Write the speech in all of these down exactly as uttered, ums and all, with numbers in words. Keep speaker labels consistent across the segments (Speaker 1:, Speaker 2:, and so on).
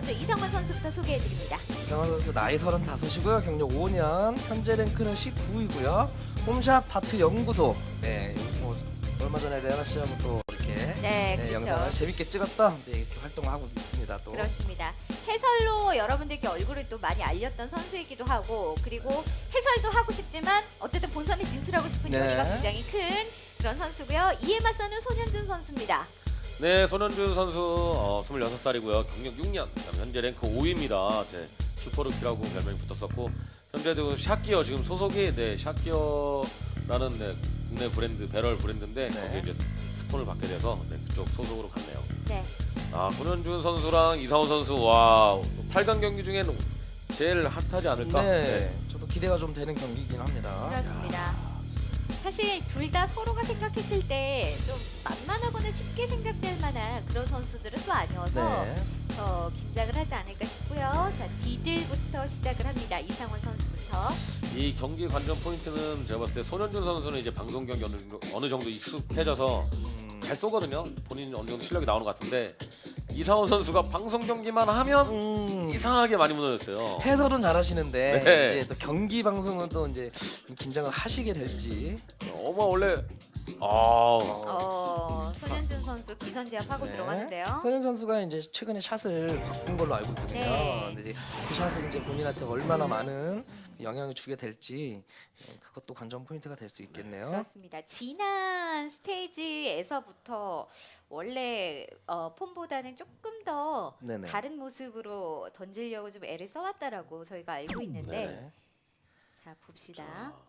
Speaker 1: 먼저 이상원 선수부터 소개해드립니다.
Speaker 2: 이상원 선수 나이 서른다섯이고요. 경력 오 년, 현재 랭크는 십구 위고요. 홈샵 다트 연구소. 네, 뭐 얼마 전에 레나 씨하고 또 이렇게
Speaker 1: 네,
Speaker 2: 네,
Speaker 1: 그렇죠.
Speaker 2: 영상을 재밌게 찍었던 네, 이렇게 활동을 하고 있습니다. 또.
Speaker 1: 그렇습니다. 해설로 여러분들께 얼굴을 또 많이 알렸던 선수이기도 하고, 그리고 해설도 하고 싶지만 어쨌든 본선에 진출하고 싶은
Speaker 2: 네.
Speaker 1: 용의가 굉장히 큰 그런 선수고요. 이에 맞서는 손현준 선수입니다.
Speaker 3: 네, 손현준 선수 어, 스물여섯 살이고요. 경력 육 년, 그다음 현재 랭크 오 위입니다. 네, 슈퍼루키라고 별명이 붙었었고 현재도 샷기어 지금 소속이 네, 샷기어라는 네, 국내 브랜드 배럴 브랜드인데
Speaker 2: 네.
Speaker 3: 거기에 이제 스폰을 받게 돼서 네, 그쪽 소속으로 갔네요.
Speaker 1: 네.
Speaker 3: 아, 손현준 선수랑 이상원 선수 와 팔 강 경기 중에는 제일 핫하지 않을까?
Speaker 2: 네, 저도 기대가 좀 되는 경기이긴 합니다.
Speaker 1: 그렇습니다. 사실 둘 다 서로가 생각했을 때 좀 만만하거나 쉽게 생각될 만한 그런 선수들은 또 아니어서
Speaker 2: 네.
Speaker 1: 더 긴장을 하지 않을까 싶고요. 자, 디들부터 시작을 합니다. 이상원 선수부터.
Speaker 3: 이 경기 관전 포인트는 제가 봤을 때 손현준 선수는 이제 방송 경기 어느, 정도- 어느 정도 익숙해져서
Speaker 2: 음,
Speaker 3: 잘 쏘거든요. 본인 어느 정도 실력이 나오는 것 같은데 이상원 선수가 방송 경기만 하면
Speaker 2: 음,
Speaker 3: 이상하게 많이 무너졌어요.
Speaker 2: 해설은 잘하시는데
Speaker 3: 네.
Speaker 2: 이제 또 경기 방송은 또 이제 긴장을 하시게 될지.
Speaker 3: 어머 원래 아
Speaker 1: 어, 손현준 선수 기선제압하고
Speaker 2: 네.
Speaker 1: 들어가는데요.
Speaker 2: 손현 선수가 이제 최근에 샷을 바꾼 걸로 알고 있거든요.
Speaker 1: 네.
Speaker 2: 근데 이제 그 샷을 이제 본인한테 얼마나 많은 영향을 주게 될지 네, 그것도 관전 포인트가 될 수 있겠네요.
Speaker 1: 그렇습니다. 지난 스테이지에서부터 원래 어, 폼보다는 조금 더
Speaker 2: 네네.
Speaker 1: 다른 모습으로 던지려고 좀 애를 써왔다라고 저희가 알고 있는데,
Speaker 2: 네.
Speaker 1: 자 봅시다.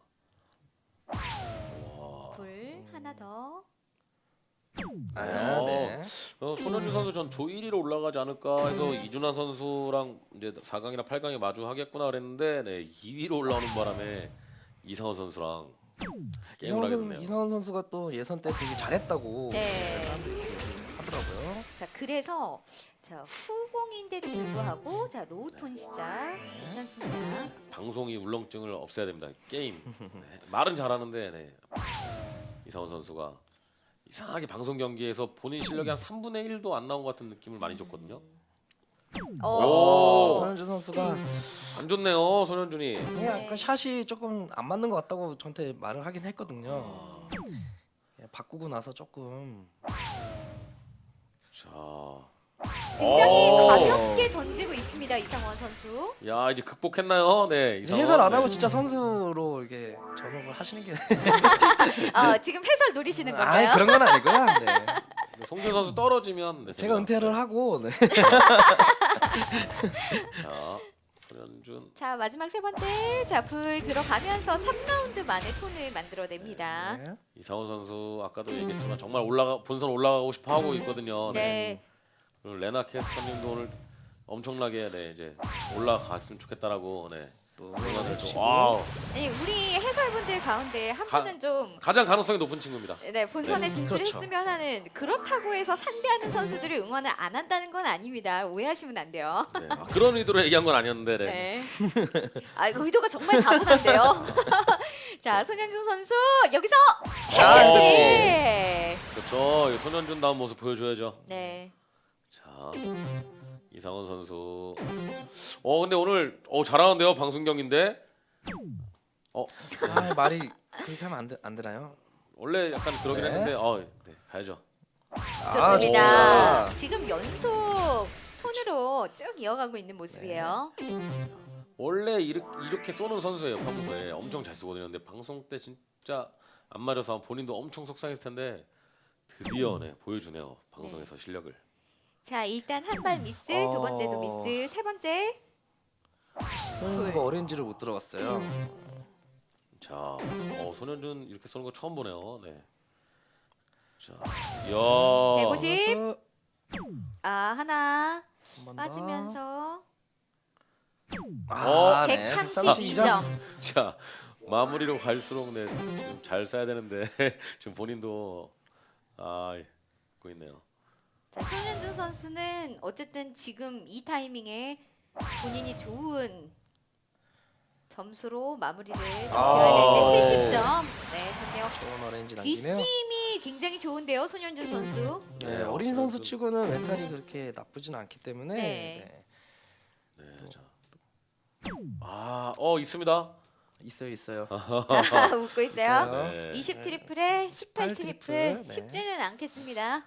Speaker 3: 와.
Speaker 1: 불 하나 더.
Speaker 2: 아,
Speaker 3: 어.
Speaker 2: 네.
Speaker 3: 어, 손현준 선수 전 조 일 위로 올라가지 않을까 해서 이준환 선수랑 이제 사 강이나 팔 강에 마주하겠구나 그랬는데 네, 이 위로 올라오는 바람에 이상원 선수랑 게임을
Speaker 2: 이상원,
Speaker 3: 하게
Speaker 2: 선,
Speaker 3: 됐네요.
Speaker 2: 이상원 선수가 또 예선 때 되게 잘했다고
Speaker 1: 네.
Speaker 2: 사람들이 이렇게 하더라고요.
Speaker 1: 자 그래서 자 후공인데도 불구하고 자 로우톤 시작 괜찮습니다.
Speaker 3: 방송이 울렁증을 없애야 됩니다. 게임 네, 말은 잘하는데 네. 이상원 선수가 이상하게 방송 경기에서 본인 실력이 한 삼분의 일도 안 나온 것 같은 느낌을 많이 줬거든요.
Speaker 1: 오.
Speaker 3: 오.
Speaker 2: 손현준 선수가
Speaker 3: 안 좋네요, 손현준이.
Speaker 2: 그냥 약간 샷이 조금 안 맞는 것 같다고 저한테 말을 하긴 했거든요. 예, 바꾸고 나서 조금
Speaker 3: 자,
Speaker 1: 굉장히
Speaker 3: 오.
Speaker 1: 가볍게 던지고 있습니다. 이상원 선수.
Speaker 3: 야 이제 극복했나요? 네,
Speaker 2: 이제
Speaker 3: 이상원.
Speaker 2: 해설 안 하고
Speaker 3: 네.
Speaker 2: 진짜 선수로 이렇게 전업을 하시는 게
Speaker 1: 어, 지금 해설 노리시는 건가요?
Speaker 2: 아 그런 건 아니고요. 네.
Speaker 3: 송준 선수 떨어지면 네,
Speaker 2: 제가
Speaker 3: 됩니다.
Speaker 2: 은퇴를 하고 네.
Speaker 3: 자, 손현준.
Speaker 1: 자 마지막 세 번째 자 불 들어가면서 삼 라운드 만에 톤을 만들어냅니다.
Speaker 2: 네.
Speaker 3: 이상원 선수 아까도 얘기했지만 정말 올라가 본선 올라가고 싶어 하고 있거든요. 네.
Speaker 1: 네.
Speaker 3: 그리고 레나 캐스터님도 오늘 엄청나게 네 이제 올라갔으면 좋겠다라고 네.
Speaker 2: 또
Speaker 3: 응원을 좀
Speaker 2: 치고.
Speaker 3: 와우.
Speaker 1: 아니 우리 해설분들 가운데 한
Speaker 3: 가-
Speaker 1: 분은 좀
Speaker 3: 가장 가능성이 높은 친구입니다.
Speaker 1: 네, 본선에
Speaker 3: 네,
Speaker 1: 진출했으면 하는 그렇다고 해서 상대하는 선수들을 응원을 안 한다는 건 아닙니다. 오해하시면 안 돼요.
Speaker 3: 네. 아, 그런 의도로 얘기한 건 아니었는데 네.
Speaker 1: 네. 아, 의도가 정말 다분한데요. 자, 손현준 선수 여기서
Speaker 3: 아,
Speaker 1: 해결지.
Speaker 3: 그렇죠. 이 손현준 다운 모습 보여줘야죠.
Speaker 1: 네.
Speaker 3: 자, 이상원 선수. 어 근데 오늘 어 잘하는데요 방송 경인데. 어
Speaker 2: 아 말이 그렇게 하면 안, 되, 안 되나요?
Speaker 3: 원래 약간 그러긴
Speaker 2: 네.
Speaker 3: 했는데 어 네, 가야죠.
Speaker 2: 아,
Speaker 1: 좋습니다.
Speaker 2: 좋습니다.
Speaker 1: 지금 연속 톤으로 쭉 이어가고 있는 모습이에요.
Speaker 3: 원래 이렇게, 이렇게 쏘는 선수예요 평소에 엄청 잘 쏘거든요. 근데 방송 때 진짜 안 맞아서 본인도 엄청 속상했을 텐데 드디어 네 보여주네요 방송에서 실력을.
Speaker 1: 자, 일단 한 발 미스, 두
Speaker 2: 어.
Speaker 1: 번째도 미스, 세 번째.
Speaker 2: 손현 선수가 오렌지를 못 들어갔어요.
Speaker 3: 자, 어 손현준 이렇게 쏘는 거 처음 보네요. 네. 자, 이야.
Speaker 1: 백오십.
Speaker 2: 그래서
Speaker 1: 아, 하나
Speaker 2: 한번 더.
Speaker 1: 빠지면서
Speaker 2: 아, 네.
Speaker 1: 백삼십이 점.
Speaker 3: 자 마무리로 갈수록 네, 지금 잘 쏴야 되는데 지금 본인도 아 있고 있네요.
Speaker 1: 자, 손현준 선수는 어쨌든 지금 이 타이밍에 본인이 좋은 점수로 마무리를
Speaker 2: 아,
Speaker 1: 지어야 되는데
Speaker 2: 네.
Speaker 1: 칠십 점. 네, 좋네요.
Speaker 2: 좋은 오렌지 남기네요.
Speaker 1: 뒷심이 굉장히 좋은데요, 손현준 선수.
Speaker 2: 네,
Speaker 3: 네,
Speaker 2: 어린
Speaker 3: 어,
Speaker 2: 선수
Speaker 3: 좀-
Speaker 2: 치고는 멘탈이 그렇게 나쁘진 않기 때문에
Speaker 1: 네.
Speaker 2: 네.
Speaker 3: 네, 자. 아, 어 있습니다.
Speaker 2: 있어요, 있어요.
Speaker 1: 웃고 있어요.
Speaker 3: 네.
Speaker 1: 이십 트리플에 십팔
Speaker 2: 십팔
Speaker 1: 트리플
Speaker 2: 트리플, 네.
Speaker 1: 쉽지는 않겠습니다.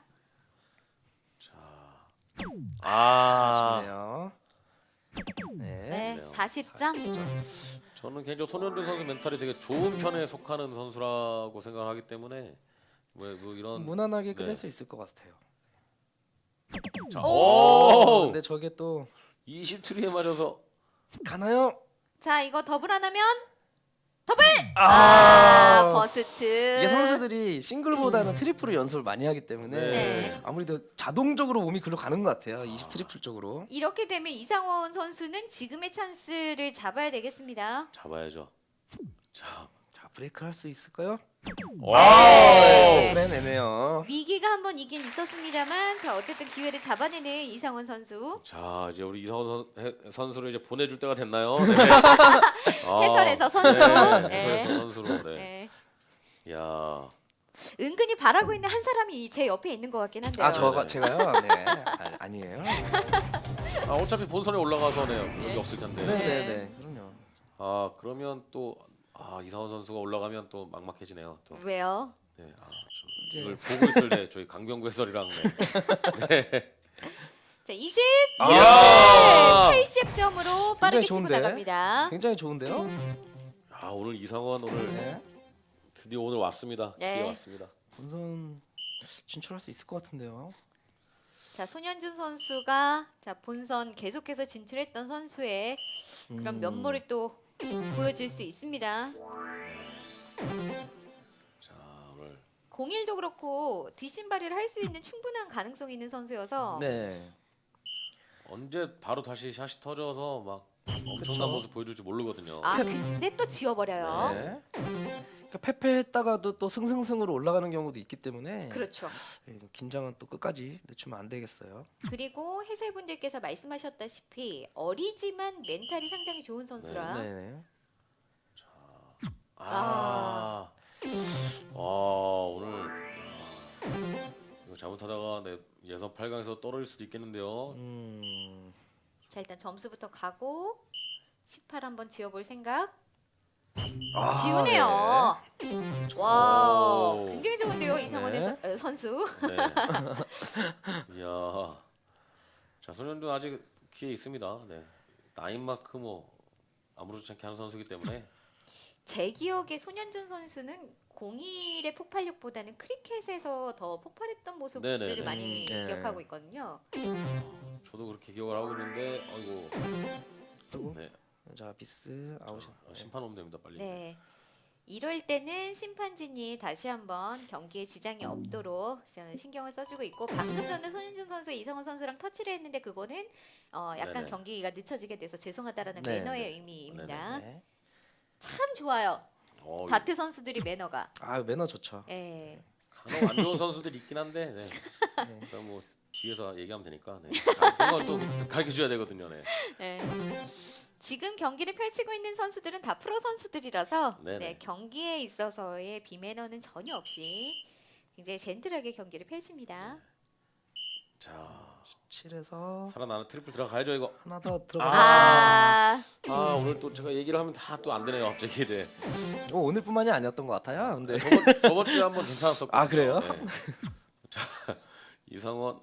Speaker 3: 아,
Speaker 2: 아쉽네요. 네.
Speaker 1: 네,
Speaker 3: 그래요.
Speaker 1: 사십 점.
Speaker 3: 저는 개인적으로 손현준 선수 멘탈이 되게 좋은 편에 속하는 선수라고 생각을 하기 때문에 뭐, 뭐 이런
Speaker 2: 무난하게 끝낼
Speaker 3: 네.
Speaker 2: 수 있을 것 같아요.
Speaker 3: 자,
Speaker 1: 오!
Speaker 3: 오!
Speaker 2: 근데 저게 또
Speaker 3: 이십 트리에 맞아서
Speaker 2: 가나요?
Speaker 1: 자, 이거 더블 하나면 더블.
Speaker 2: 아,
Speaker 1: 아, 버스트.
Speaker 2: 이게 선수들이 싱글보다는 트리플을 연습을 많이 하기 때문에
Speaker 1: 네.
Speaker 2: 아무래도 자동적으로 몸이 글로 가는 것 같아요. 이십 트리플 쪽으로.
Speaker 1: 이렇게 되면 이상원 선수는 지금의 찬스를 잡아야 되겠습니다.
Speaker 3: 잡아야죠. 자,
Speaker 2: 자, 브레이크 할 수 있을까요?
Speaker 1: 네.
Speaker 2: 그래 내네요.
Speaker 1: 위기가 한 번 있긴 있었습니다만, 자 어쨌든 기회를 잡아내는 이상원 선수.
Speaker 3: 자 이제 우리 이상원 선, 해- 선수를 이제 보내줄 때가 됐나요? 네. 아,
Speaker 1: 해설에서 선수.
Speaker 3: 네,
Speaker 1: 네.
Speaker 3: 해설에서 선수로. 네.
Speaker 1: 네.
Speaker 3: 야,
Speaker 1: 은근히 바라고 있는 한 사람이 제 옆에 있는 것 같긴 한데요.
Speaker 2: 아 저가
Speaker 3: 네.
Speaker 2: 제가요? 네. 아, 아니에요.
Speaker 3: 아 어차피 본선에 올라가서 네 여기
Speaker 1: 네.
Speaker 3: 없을 텐데.
Speaker 2: 네네네. 그럼요.
Speaker 3: 아 그러면 또 아, 이상원 선수가 올라가면 또 막막해지네요. 또.
Speaker 1: 왜요?
Speaker 3: 네. 아, 좀
Speaker 2: 이제-
Speaker 3: 이걸 보고 있을 때 저희 강병구 해설이랑 네. 네.
Speaker 1: 자 이십.
Speaker 3: 아!
Speaker 1: 팔십 점으로 빠르게 치고
Speaker 2: 좋은데?
Speaker 1: 나갑니다.
Speaker 2: 굉장히 좋은데요?
Speaker 3: 아 오늘 이상원 오늘
Speaker 2: 네.
Speaker 3: 드디어 오늘 왔습니다.
Speaker 1: 네.
Speaker 3: 기회 왔습니다.
Speaker 2: 본선 진출할 수 있을 것 같은데요.
Speaker 1: 자 손현준 선수가 자 본선 계속해서 진출했던 선수의 그런
Speaker 2: 음.
Speaker 1: 면모를 또 보여줄 수 있습니다.
Speaker 3: 자 오늘
Speaker 1: 공일도 그렇고 뒷심발이를 할 수 있는 충분한 가능성이 있는 선수여서
Speaker 2: 네.
Speaker 3: 언제 바로 다시 샷이 터져서 막 엄청난
Speaker 2: 그쵸.
Speaker 3: 모습 보여줄지 모르거든요.
Speaker 1: 아 근데 또 지워버려요.
Speaker 2: 네. 그러니까 패패했다가도 또 승승승으로 올라가는 경우도 있기 때문에
Speaker 1: 그렇죠.
Speaker 2: 예, 긴장은 또 끝까지 늦추면 안 되겠어요.
Speaker 1: 그리고 해설분들께서 말씀하셨다시피 어리지만 멘탈이 상당히 좋은 선수라.
Speaker 2: 네네.
Speaker 3: 아, 아 오늘 야, 이거 잘못하다가 내 예선 팔 강에서 떨어질 수도 있겠는데요.
Speaker 2: 음.
Speaker 1: 자 일단 점수부터 가고 십팔 한번 지워볼 생각.
Speaker 2: 아,
Speaker 1: 지우네요. 와
Speaker 3: 오.
Speaker 1: 굉장히 좋은데요 이상원
Speaker 2: 네.
Speaker 1: 해설- 어, 선수.
Speaker 3: 네. 이야. 자, 손현준 아직 기회 있습니다. 네. 나인 마크 뭐 아무렇지 않게 하는 선수이기 때문에
Speaker 1: 제 기억에 손현준 선수는 공일의 폭발력보다는 크리켓에서 더 폭발했던 모습들을
Speaker 3: 네네네.
Speaker 1: 많이
Speaker 2: 음, 네.
Speaker 1: 기억하고 있거든요.
Speaker 3: 저도 그렇게 기억을 하고 있는데 아이고.
Speaker 2: 그리고
Speaker 3: 네.
Speaker 2: 자 비스 아웃.
Speaker 3: 자, 심판 오면 됩니다, 빨리.
Speaker 1: 네. 이럴 때는 심판진이 다시 한번 경기에 지장이 없도록 신경을 써주고 있고 방금 전에 손윤준 선수 이성원 선수랑 터치를 했는데 그거는 어 약간
Speaker 3: 네네.
Speaker 1: 경기가 늦춰지게 돼서 죄송하다라는
Speaker 2: 네,
Speaker 1: 매너의
Speaker 2: 네.
Speaker 1: 의미입니다.
Speaker 2: 네.
Speaker 1: 참 좋아요.
Speaker 3: 어,
Speaker 1: 다트 선수들이 매너가.
Speaker 2: 아 매너 좋죠.
Speaker 1: 예.
Speaker 3: 간혹 안 좋은 선수들이 있긴 한데 네.
Speaker 2: 네.
Speaker 3: 그럼 뭐 뒤에서 얘기하면 되니까 네. 아, 그런 걸또 가르쳐 줘야 되거든요. 네.
Speaker 1: 예. 지금 경기를 펼치고 있는 선수들은 다 프로 선수들이라서
Speaker 3: 네네.
Speaker 1: 네, 경기에 있어서의 비매너는 전혀 없이 굉장히 젠틀하게 경기를 펼칩니다.
Speaker 3: 자,
Speaker 2: 칠에서
Speaker 3: 살아나는 트리플 들어가야죠, 이거.
Speaker 2: 하나 더 들어가.
Speaker 1: 아,
Speaker 3: 아, 오늘 또 제가 얘기를 하면 다 또 안 되네요, 갑자기. 네.
Speaker 2: 어, 오늘뿐만이 아니었던 것 같아요. 근데
Speaker 3: 저번 저번 주에 한번 괜찮았었고.
Speaker 2: 아, 그래요?
Speaker 3: 자, 이상원.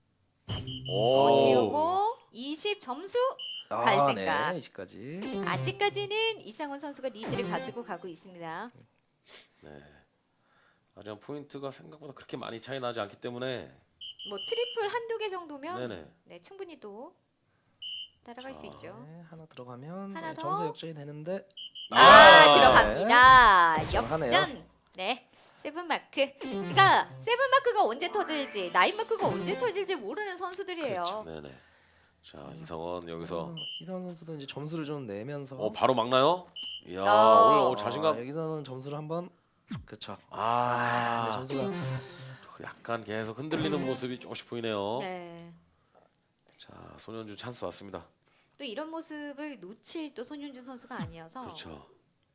Speaker 1: 어,
Speaker 3: 오.
Speaker 1: 지우고 이십 점수. 갈
Speaker 2: 아,
Speaker 1: 생각.
Speaker 2: 네, 이십까지.
Speaker 1: 아직까지는 이상원 선수가 리드를 가지고 가고 있습니다.
Speaker 3: 네. 하지만 포인트가 생각보다 그렇게 많이 차이 나지 않기 때문에
Speaker 1: 뭐 트리플 한두 개 정도면
Speaker 3: 네네.
Speaker 1: 네, 충분히 또 따라갈
Speaker 3: 자.
Speaker 1: 수 있죠.
Speaker 2: 네, 하나 들어가면
Speaker 1: 하나
Speaker 2: 네,
Speaker 1: 더.
Speaker 2: 점수 역전이 되는데.
Speaker 1: 아,
Speaker 3: 아,
Speaker 1: 들어갑니다.
Speaker 2: 정하네요.
Speaker 1: 역전. 네. 세븐 마크. 그러니까 세븐 마크가 언제 터질지, 나인 마크가 언제 터질지 모르는 선수들이에요.
Speaker 3: 그렇죠. 네네. 자, 이상원 여기서
Speaker 2: 이상원 선수도 이제 점수를 좀 내면서.
Speaker 3: 어 바로 막나요? 이야,
Speaker 1: 어.
Speaker 3: 오늘 어,
Speaker 2: 아,
Speaker 3: 자신감.
Speaker 2: 여기서는 점수를 한번. 그렇죠.
Speaker 3: 아,
Speaker 2: 네, 점수가
Speaker 3: 약간 계속 흔들리는 모습이 조금씩 보이네요.
Speaker 1: 네.
Speaker 3: 자, 손현준 찬스 왔습니다.
Speaker 1: 또 이런 모습을 놓칠 또 손윤준 선수가 아니어서
Speaker 3: 그렇죠.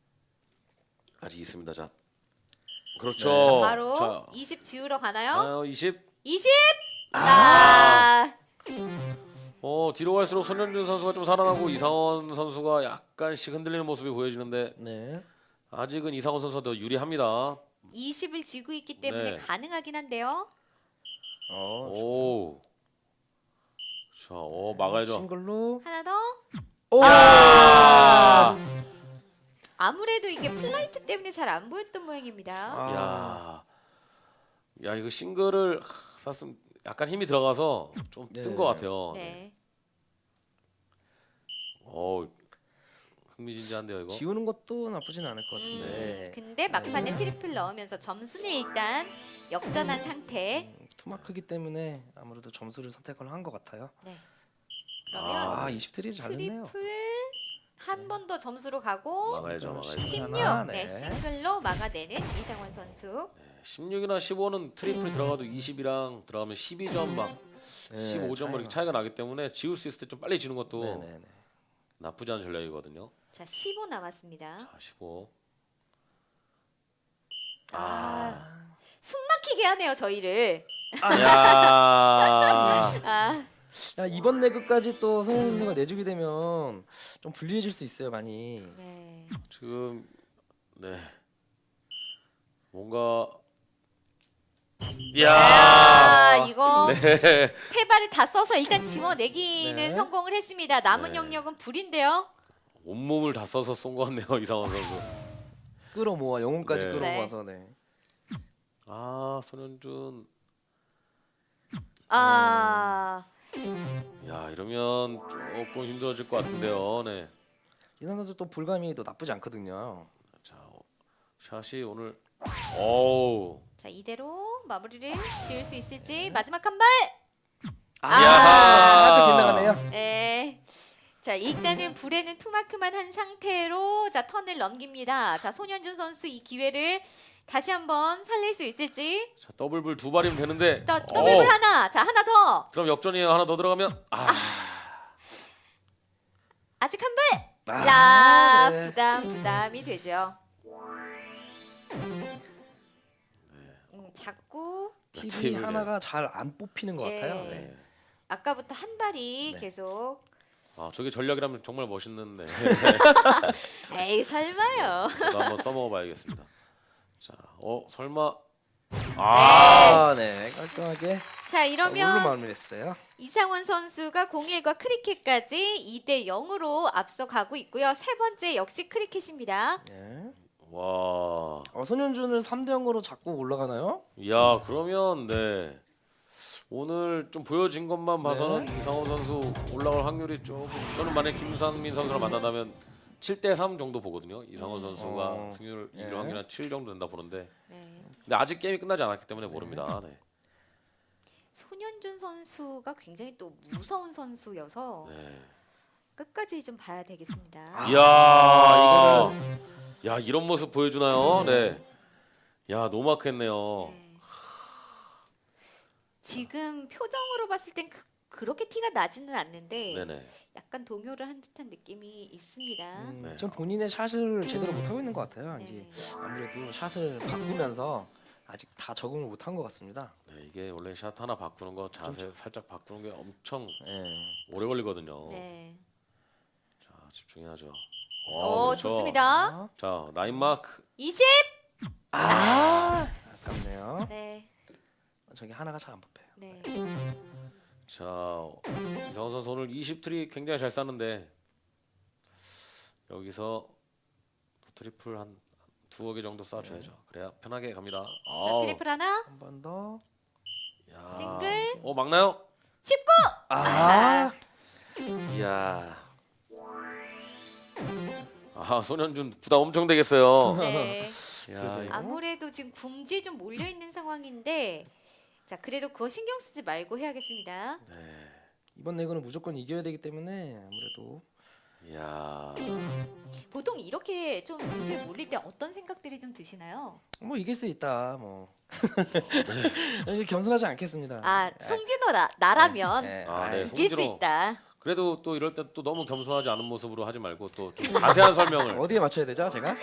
Speaker 3: 아직 있습니다. 자, 그렇죠.
Speaker 2: 네.
Speaker 1: 바로
Speaker 3: 자,
Speaker 1: 이십 지우러 가나요?
Speaker 3: 가나요? 이십.
Speaker 1: 이십.
Speaker 2: 아!
Speaker 1: 아.
Speaker 3: 어 뒤로 갈수록 손현준 선수가 좀 살아나고 이상원 선수가 약간씩 흔들리는 모습이 보여지는데
Speaker 2: 네.
Speaker 3: 아직은 이상원 선수가 더 유리합니다.
Speaker 1: 이십을 쥐고 있기 때문에
Speaker 3: 네.
Speaker 1: 가능하긴 한데요.
Speaker 2: 어,
Speaker 3: 오. 자, 어 막아야죠.
Speaker 2: 싱글로.
Speaker 1: 하나 더.
Speaker 2: 오!
Speaker 3: 야!
Speaker 1: 아무래도 이게 플라이트 때문에 잘 안 보였던 모양입니다.
Speaker 2: 아.
Speaker 3: 야. 야, 이거 싱글을 하, 쐈으면 약간 힘이 들어가서 좀 뜬
Speaker 2: 네.
Speaker 3: 것 같아요. 네.
Speaker 1: 네.
Speaker 3: 어. 흥미진진한데요, 이거.
Speaker 2: 지우는 것도 나쁘진 않을 것
Speaker 1: 음,
Speaker 2: 같은데.
Speaker 1: 근데 막판에 트리플 넣으면서 점수는 일단 역전한 상태.
Speaker 2: 음, 투마크기 때문에 아무래도 점수를 선택을 한 것 같아요.
Speaker 1: 네. 그러면
Speaker 2: 아, 이십 트리 잘했네요.
Speaker 1: 트리플 한 번 더 점수로 가고
Speaker 3: 막아야죠, 막아야죠.
Speaker 1: 십육.
Speaker 2: 하나,
Speaker 1: 네,
Speaker 2: 네.
Speaker 1: 싱글로 막아내는 이상원 선수.
Speaker 3: 십육이나 십오는 트리플 들어가도 이십이랑 들어가면 십이 점 막
Speaker 2: 네,
Speaker 3: 십오 점 이렇게 차이가 나기 때문에 지울 수 있을 때 좀 빨리 지는 것도
Speaker 2: 네네네.
Speaker 3: 나쁘지 않은 전략이거든요.
Speaker 1: 자, 십오 남았습니다.
Speaker 3: 자, 십오.
Speaker 1: 아, 숨 막히게 하네요, 저희를.
Speaker 3: 야.
Speaker 1: 아,
Speaker 2: 야, 이번 레그까지 또 성현 선수가 내주게 되면 좀 불리해질 수 있어요, 많이.
Speaker 1: 네.
Speaker 3: 지금 네. 뭔가 야.
Speaker 1: 아, 이거
Speaker 3: 네.
Speaker 1: 세 발을 다 써서 일단 지워내기는
Speaker 2: 네.
Speaker 1: 성공을 했습니다. 남은
Speaker 3: 네.
Speaker 1: 영역은 불인데요.
Speaker 3: 온몸을 다 써서 쏜 것 같네요, 이상원 선수.
Speaker 2: 끌어모아 영혼까지
Speaker 3: 네.
Speaker 2: 끌어모아서 네.
Speaker 3: 아, 손현준.
Speaker 1: 아,
Speaker 3: 야, 이러면 조금 힘들어질 것 같은데요. 네.
Speaker 2: 이상 선수 또 불감이 또 나쁘지 않거든요.
Speaker 3: 자, 어, 샷이 오늘 어우.
Speaker 1: 자, 이대로 마무리를 지을 수 있을지.
Speaker 2: 네.
Speaker 1: 마지막 한 발.
Speaker 2: 아,
Speaker 3: 야!
Speaker 2: 살짝 빗나가네요.
Speaker 1: 네. 자, 일단은 불에는 투마크만 한 상태로 자, 턴을 넘깁니다. 자, 손현준 선수 이 기회를 다시 한번 살릴 수 있을지.
Speaker 3: 자, 더블불 두 발이면 되는데.
Speaker 1: 더 더블볼
Speaker 3: 어,
Speaker 1: 하나. 자, 하나 더.
Speaker 3: 그럼 역전이에요. 하나 더 들어가면 아.
Speaker 1: 아직 한 발.
Speaker 2: 아,
Speaker 1: 자,
Speaker 2: 네.
Speaker 1: 부담 부담이 되죠. 음, 자꾸
Speaker 2: 팁이
Speaker 3: 테이블에.
Speaker 2: 하나가 잘 안 뽑히는 것
Speaker 1: 예.
Speaker 2: 같아요. 네.
Speaker 1: 아까부터 한 발이
Speaker 2: 네.
Speaker 1: 계속.
Speaker 3: 아, 저게 전략이라면 정말 멋있는데.
Speaker 1: 에이, 설마요.
Speaker 3: 저도 한번 써먹어 봐야겠습니다. 자, 어, 설마
Speaker 2: 아, 네. 깔끔하게
Speaker 1: 자,
Speaker 2: 물로
Speaker 1: 이러면
Speaker 2: 마무리했어요.
Speaker 1: 이상원 선수가 공일과 크리켓까지 이 대 영으로 앞서가고 있고요. 세 번째 역시 크리켓입니다.
Speaker 2: 네.
Speaker 3: 와.
Speaker 2: 어, 손현준을 삼 대 영으로 잡고 올라가나요?
Speaker 3: 야, 그러면 네. 오늘 좀 보여진 것만 봐서는
Speaker 2: 네.
Speaker 3: 이상호 선수 올라갈 확률이 조금 저는 만약 김상민 선수랑 만난다면 칠 대 삼 정도 보거든요. 이상호
Speaker 1: 음.
Speaker 3: 선수가
Speaker 2: 어.
Speaker 3: 승률
Speaker 2: 예.
Speaker 3: 이길 확률이 한 칠 정도 된다 보는데.
Speaker 1: 네.
Speaker 3: 근데 아직 게임이 끝나지 않았기 때문에 모릅니다. 네.
Speaker 1: 손현준 선수가 굉장히 또 무서운 선수여서
Speaker 3: 네.
Speaker 1: 끝까지 좀 봐야 되겠습니다.
Speaker 2: 아,
Speaker 3: 이야,
Speaker 2: 이거는
Speaker 3: 야 이런 모습 보여주나요? 네. 야 노마크했네요.
Speaker 1: 네. 지금 표정으로 봤을 땐 그, 그렇게 티가 나지는 않는데
Speaker 3: 네네.
Speaker 1: 약간 동요를 한 듯한 느낌이 있습니다.
Speaker 2: 음,
Speaker 3: 네.
Speaker 2: 전 본인의 샷을 제대로 못 하고 있는 것 같아요.
Speaker 1: 네.
Speaker 2: 이제 아무래도 샷을 바꾸면서 아직 다 적응을 못 한 것 같습니다.
Speaker 3: 네, 이게 원래 샷 하나 바꾸는 거 자세 살짝 바꾸는 게 엄청
Speaker 2: 네.
Speaker 3: 오래 걸리거든요.
Speaker 1: 네.
Speaker 3: 자 집중해야죠.
Speaker 1: 오,
Speaker 3: 어, 그렇죠.
Speaker 1: 좋습니다.
Speaker 3: 자 나인 마크.
Speaker 1: 이십.
Speaker 2: 아, 아깝네요.
Speaker 1: 네.
Speaker 2: 저기 하나가 잘 안 뽑혀요.
Speaker 1: 네.
Speaker 3: 자 이상원 선수 오늘 이십 트리 굉장히 잘 쐈는데 여기서 트리플 한 두어 개 정도 쏴줘야죠. 그래야 편하게 갑니다.
Speaker 1: 자,
Speaker 3: 아우.
Speaker 1: 트리플 하나.
Speaker 2: 한 번 더.
Speaker 3: 야.
Speaker 1: 싱글.
Speaker 3: 어 막나요?
Speaker 1: 십구.
Speaker 2: 아,
Speaker 3: 이야. 아 손현준 부담 엄청 되겠어요.
Speaker 1: 네.
Speaker 3: 야,
Speaker 2: 그래도-
Speaker 1: 아무래도 지금 궁지에 좀 몰려 있는 상황인데 자, 그래도 그거 신경 쓰지 말고 해야겠습니다.
Speaker 3: 네.
Speaker 2: 이번 레그는 무조건 이겨야 되기 때문에 아무래도
Speaker 3: 이야.
Speaker 1: 보통 이렇게 좀 궁지에 몰릴 때 어떤 생각들이 좀 드시나요?
Speaker 2: 뭐 이길 수 있다. 뭐 이렇게 겸손하지 않겠습니다.
Speaker 1: 아, 송진호 나, 나라면
Speaker 2: 네.
Speaker 3: 아, 네.
Speaker 1: 이길 수
Speaker 3: 송진호.
Speaker 1: 있다.
Speaker 3: 그래도 또 이럴 때 또 너무 겸손하지 않은 모습으로 하지 말고 또 좀 자세한 설명을.
Speaker 2: 어디에 맞춰야 되죠, 제가?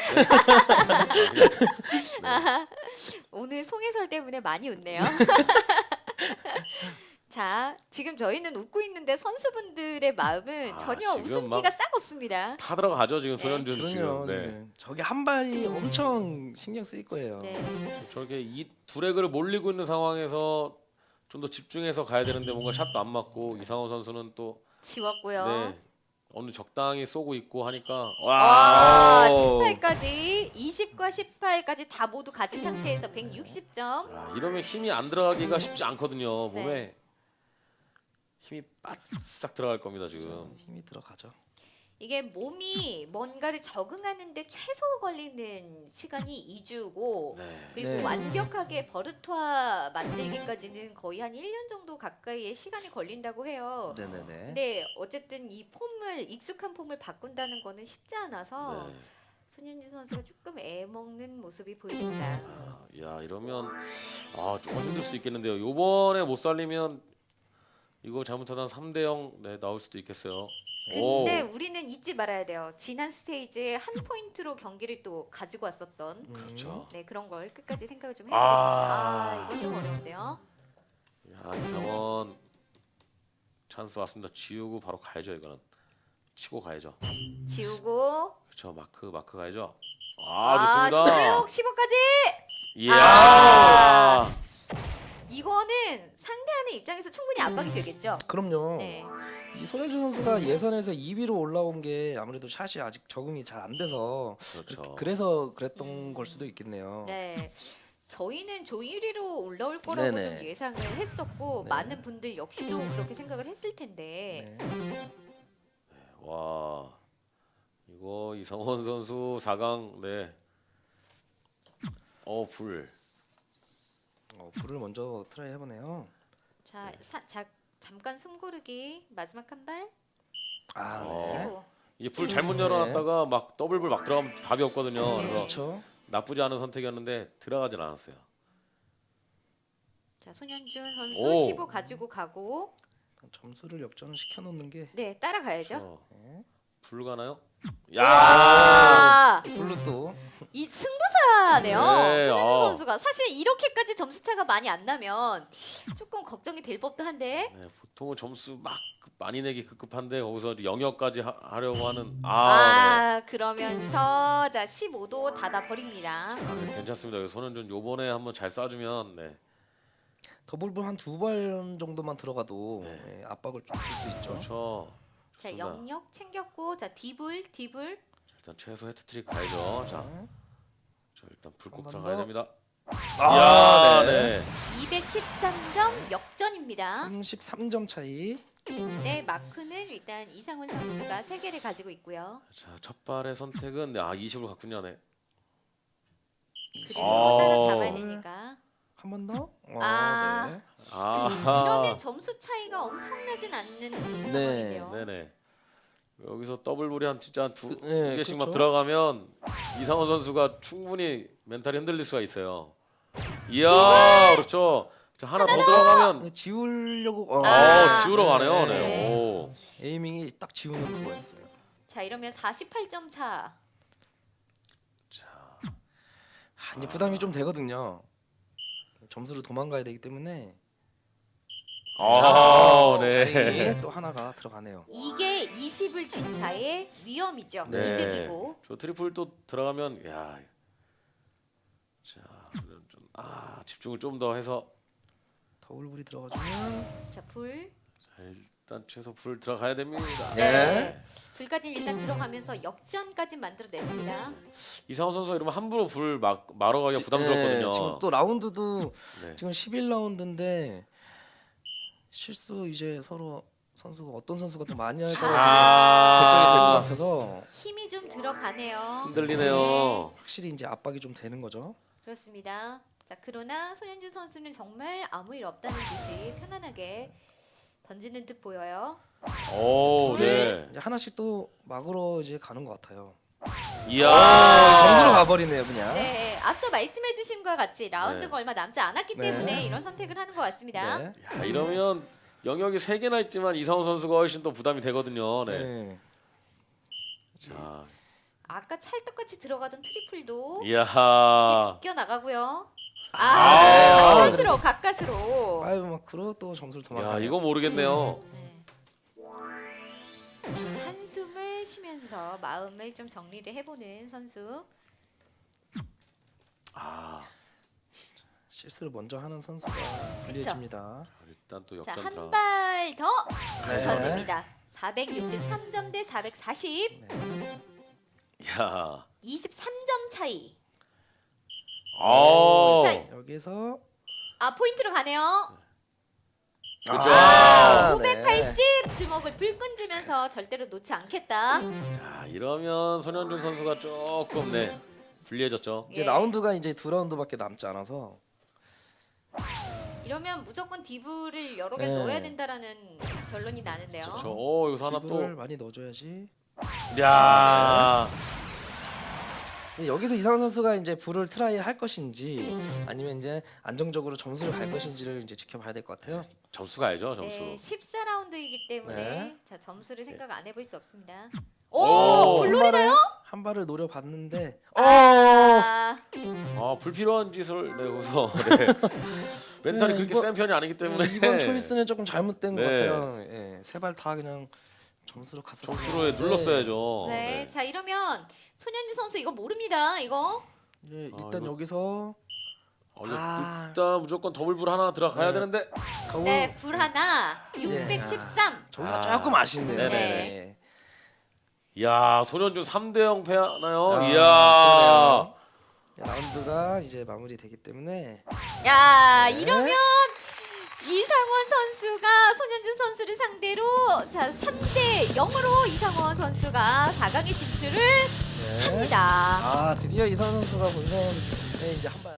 Speaker 1: 오늘 송해설 때문에 많이 웃네요. 자, 지금 저희는 웃고 있는데 선수분들의 마음은
Speaker 3: 아,
Speaker 1: 전혀
Speaker 3: 지금
Speaker 1: 웃음기가
Speaker 3: 막-
Speaker 1: 싹 없습니다.
Speaker 3: 다 들어가죠 지금
Speaker 1: 네.
Speaker 3: 손현준
Speaker 2: 그럼요.
Speaker 3: 지금. 네.
Speaker 2: 네. 저게 한 발이 엄청 신경 쓰일 거예요.
Speaker 1: 네.
Speaker 3: 저렇게 이 두레그를 몰리고 있는 상황에서 좀 더 집중해서 가야 되는데 뭔가 샷도 안 맞고 이상호 선수는 또
Speaker 1: 지웠고요.
Speaker 3: 네, 어느 적당히 쏘고 있고 하니까
Speaker 1: 와,
Speaker 3: 와
Speaker 1: 십팔까지 이십과 십팔까지 다 모두 가진 상태에서 백육십 점.
Speaker 3: 야, 이러면 힘이 안 들어가기가 쉽지 않거든요. 몸에
Speaker 1: 네.
Speaker 3: 힘이 바싹 들어갈 겁니다 지금.
Speaker 2: 힘이 들어가죠.
Speaker 1: 이게 몸이 뭔가를 적응하는데 최소 걸리는 시간이 이 주고
Speaker 3: 네.
Speaker 1: 그리고
Speaker 2: 네.
Speaker 1: 완벽하게 버릇화 만들기까지는 거의 한 일 년 정도 가까이의 시간이 걸린다고 해요.
Speaker 2: 네네네.
Speaker 1: 근데 어쨌든 이 폼을 익숙한 폼을 바꾼다는 거는 쉽지 않아서
Speaker 3: 네.
Speaker 1: 손윤진 선수가 조금 애먹는 모습이 보입니다.
Speaker 3: 아, 야 이러면 아 조금 힘들 수 있겠는데요. 요번에 못 살리면 이거 잘못하다 삼 대 영 네, 나올 수도 있겠어요. 오.
Speaker 1: 근데 우리는 잊지 말아야 돼요. 지난 스테이지에 한 포인트로 경기를 또 가지고 왔었던
Speaker 2: 음.
Speaker 3: 그렇죠.
Speaker 1: 네 그런 걸 끝까지 생각을 좀 해보겠습니다.
Speaker 3: 아.
Speaker 1: 아, 이건 좀 어려운데요.
Speaker 3: 야 이상원 찬스 왔습니다. 지우고 바로 가야죠 이거는. 치고 가야죠.
Speaker 1: 지우고
Speaker 3: 그렇죠. 마크 마크 가야죠. 아, 좋습니다.
Speaker 1: 십육, 십오까지
Speaker 3: 이야.
Speaker 1: 아. 이거는 상대하는 입장에서 충분히 압박이 되겠죠.
Speaker 2: 그럼요.
Speaker 1: 네.
Speaker 2: 이 손현준 선수가 예선에서 이 위로 올라온 게 아무래도 샷이 아직 적응이 잘 안 돼서
Speaker 3: 그렇죠.
Speaker 2: 그래서 그랬던
Speaker 1: 음.
Speaker 2: 걸 수도 있겠네요.
Speaker 1: 네. 저희는 조 일 위로 올라올 거라고
Speaker 2: 네네.
Speaker 1: 좀 예상을 했었고
Speaker 2: 네.
Speaker 1: 많은 분들 역시도 그렇게 생각을 했을 텐데
Speaker 2: 네.
Speaker 3: 와 이거 이성원 선수 사 강 네. 어 불.
Speaker 2: 어, 불을 먼저 트라이 해보네요.
Speaker 1: 자, 사, 자 잠깐 숨 고르기 마지막 한 발
Speaker 2: 아,
Speaker 3: 어.
Speaker 2: 네.
Speaker 1: 십오.
Speaker 3: 이게 불 잘못
Speaker 2: 네.
Speaker 3: 열어놨다가 막 더블 불 막 들어가면 답이 없거든요.
Speaker 1: 네.
Speaker 3: 그래서
Speaker 2: 그렇죠.
Speaker 3: 나쁘지 않은 선택이었는데 들어가진 않았어요.
Speaker 1: 자, 손현준 선수
Speaker 3: 오.
Speaker 1: 십오 가지고 가고
Speaker 2: 점수를 역전을 시켜놓는 게
Speaker 1: 네, 따라가야죠.
Speaker 3: 그렇죠.
Speaker 2: 네.
Speaker 3: 불 가나요? 야.
Speaker 1: 아,
Speaker 2: 불로 또
Speaker 1: 이 승부사네요.
Speaker 3: 네,
Speaker 1: 손현준
Speaker 3: 어.
Speaker 1: 선수가 사실 이렇게까지 점수 차가 많이 안 나면 조금 걱정이 될 법도 한데
Speaker 3: 네, 보통은 점수 막 많이 내기 급급한데 거기서 영역까지 하, 하려고 하는 아,
Speaker 1: 아, 그러면서 자 십오 도 닫아 버립니다.
Speaker 3: 네. 아, 네, 괜찮습니다. 여기 손현준 요번에 한번 잘 쏴주면 네.
Speaker 2: 더블볼 한 두 발 정도만 들어가도
Speaker 3: 네.
Speaker 2: 예, 압박을 좀 줄 수 있죠.
Speaker 3: 그렇죠.
Speaker 1: 자,
Speaker 3: 좋습니다.
Speaker 1: 영역 챙겼고 자 디블 디블
Speaker 3: 자, 일단 최소 헤트트릭 가야죠. 자,
Speaker 2: 네.
Speaker 3: 자 일단 불 꼭
Speaker 2: 한번
Speaker 3: 들어가야
Speaker 2: 더.
Speaker 3: 됩니다.
Speaker 2: 아,
Speaker 3: 이야,
Speaker 2: 네.
Speaker 3: 네.
Speaker 1: 이백십삼 점 역전입니다.
Speaker 2: 삼십삼 점 차이.
Speaker 1: 네, 마크는 일단 이상훈 선수가 세 개를 가지고 있고요.
Speaker 3: 자, 첫 발의 선택은 네, 아 이십으로 갔군요. 네.
Speaker 1: 그리고
Speaker 3: 아.
Speaker 1: 따라잡아야 되니까.
Speaker 2: 한 번 더. 와,
Speaker 1: 아.
Speaker 2: 네.
Speaker 3: 아,
Speaker 1: 이러면 점수 차이가 엄청나진 않는 상황인데요.
Speaker 3: 네네. 여기서 더블볼이 한 진짜 한 두
Speaker 2: 네,
Speaker 3: 개씩만
Speaker 2: 그렇죠.
Speaker 3: 들어가면 이상원 선수가 충분히 멘탈이 흔들릴 수가 있어요. 이야, 그렇죠. 자, 하나 더 들어가면
Speaker 2: 네, 지우려고. 어,
Speaker 1: 아.
Speaker 3: 어, 지우러 가네요. 네.
Speaker 1: 네.
Speaker 3: 오.
Speaker 2: 에이밍이 딱 지우는 그거였어요.
Speaker 1: 자, 이러면 사십팔 점 차.
Speaker 3: 자,
Speaker 2: 아, 이제 부담이 좀 되거든요. 점수를 도망가야 되기 때문에
Speaker 3: 아, 네.
Speaker 2: 다행히 또 하나가 들어가네요.
Speaker 1: 이게 이십을 준 차의 위험이죠.
Speaker 3: 네.
Speaker 1: 이득이고.
Speaker 3: 저 트리플 또 들어가면 야. 자, 그럼 좀 아, 집중을 좀 더 해서
Speaker 2: 더블볼이 들어가주면
Speaker 1: 자, 불.
Speaker 3: 자, 일단 최소 불 들어가야 됩니다.
Speaker 1: 네. 불까지 일단 들어가면서 역전까지 만들어냈습니다.
Speaker 3: 이상원 선수 이러면 함부로 불 막 말아가기가 부담스럽거든요.
Speaker 2: 네, 지금 또 라운드도
Speaker 3: 네.
Speaker 2: 지금 십일 라운드인데 실수 이제 서로 선수가 어떤 선수가 더 많이 할까 결정이 될 것
Speaker 3: 아,
Speaker 2: 같아서
Speaker 1: 힘이 좀 들어가네요.
Speaker 3: 흔들리네요.
Speaker 2: 확실히 이제 압박이 좀 되는 거죠.
Speaker 1: 그렇습니다. 자, 그러나 손현준 선수는 정말 아무 일 없다는 듯이 편안하게 던지는 듯 보여요.
Speaker 3: 오,
Speaker 1: 불.
Speaker 3: 네.
Speaker 2: 이제 하나씩 또 막으로 이제 가는 것 같아요.
Speaker 3: 이야.
Speaker 2: 아, 점수로 가버리네요 그냥.
Speaker 1: 네, 앞서 말씀해주신 것과 같이 라운드가
Speaker 3: 네.
Speaker 1: 얼마 남지 않았기
Speaker 2: 네.
Speaker 1: 때문에 이런 선택을 하는 것 같습니다.
Speaker 2: 네.
Speaker 3: 야, 이러면 영역이 세 개나 있지만 이상원 선수가 훨씬 더 부담이 되거든요. 네.
Speaker 2: 네.
Speaker 3: 자,
Speaker 1: 아까 찰떡같이 들어가던 트리플도
Speaker 3: 이야.
Speaker 1: 이게 비껴 나가고요. 아,
Speaker 2: 아,
Speaker 1: 가까스로 가까스로.
Speaker 2: 아유 마크로 또 점수를 도망가요.
Speaker 3: 야 이거 모르겠네요.
Speaker 1: 네. 한숨을 쉬면서 마음을 좀 정리를 해보는 선수.
Speaker 3: 아
Speaker 2: 실수를 먼저 하는 선수가 불리해집니다.
Speaker 3: 일단 또
Speaker 1: 자,
Speaker 3: 역전
Speaker 1: 한
Speaker 3: 들어.
Speaker 1: 발 더
Speaker 2: 네.
Speaker 1: 전됩니다. 사백육십삼 점 대 사백사십.
Speaker 2: 네.
Speaker 3: 야.
Speaker 1: 이십삼 점 차이.
Speaker 3: 아.
Speaker 1: 자,
Speaker 2: 여기서
Speaker 1: 아, 포인트로 가네요.
Speaker 3: 그렇죠.
Speaker 2: 아,
Speaker 1: 오백팔십
Speaker 2: 네.
Speaker 1: 주먹을 불끈 쥐면서 절대로 놓지 않겠다.
Speaker 3: 야, 이러면 손현준 선수가 조금 네 불리해졌죠.
Speaker 2: 이제
Speaker 1: 예.
Speaker 2: 라운드가 이제 두 라운드밖에 남지 않아서
Speaker 1: 이러면 무조건 디브를 여러 개
Speaker 2: 네.
Speaker 1: 넣어야 된다라는 결론이 나는데요.
Speaker 3: 저 어, 여기서 하나
Speaker 2: 팁을
Speaker 3: 또.
Speaker 2: 많이 넣어줘야지.
Speaker 3: 야.
Speaker 2: 근데 여기서 이상한 선수가 이제 불을 트라이 할 것인지 아니면 이제 안정적으로 점수를 갈 것인지를 이제 지켜봐야 될 것 같아요.
Speaker 3: 점수 가야죠, 점수.
Speaker 1: 네, 십사 라운드이기 때문에
Speaker 2: 네.
Speaker 1: 자, 점수를 생각 안 해볼 수 없습니다.
Speaker 3: 오,
Speaker 1: 오,
Speaker 2: 한
Speaker 1: 블루리나요?
Speaker 2: 발을 한 발을 노려봤는데 어
Speaker 1: 아,
Speaker 3: 아, 불필요한 짓을 네, 여기서 네. 멘탈이
Speaker 2: 네,
Speaker 3: 그렇게
Speaker 2: 이번-
Speaker 3: 센 편이 아니기 때문에
Speaker 2: 이번 초이스는 조금 잘못된 것
Speaker 3: 네.
Speaker 2: 같아요. 예, 세 발 다 그냥 점수로 갔었어요.
Speaker 3: 점수로 눌렀어야죠.
Speaker 1: 네.
Speaker 3: 네.
Speaker 1: 자, 이러면 손현주 선수 이거 모릅니다. 이거.
Speaker 2: 예,
Speaker 3: 아,
Speaker 2: 일단
Speaker 3: 이거-
Speaker 2: 여기서
Speaker 3: 어, 이거
Speaker 2: 아.
Speaker 3: 일단 무조건 더블불 하나 들어가야
Speaker 2: 네.
Speaker 3: 되는데.
Speaker 2: 거울
Speaker 1: 네, 불 하나. 육백십삼.
Speaker 2: 점수가
Speaker 3: 아.
Speaker 2: 조금 아쉽네요.
Speaker 3: 네네.
Speaker 1: 네.
Speaker 3: 야, 손현준 삼 대 영 패하나요?
Speaker 2: 아,
Speaker 3: 이야.
Speaker 2: 그러네요. 라운드가 이제 마무리되기 때문에
Speaker 1: 야,
Speaker 2: 네.
Speaker 1: 이러면 이상원 선수가 손현준 선수를 상대로 자, 삼 대 영으로 이상원 선수가 사 강에 진출을
Speaker 2: 네.
Speaker 1: 합니다.
Speaker 2: 아 드디어 이선 선수가 본선에 이제 한 발.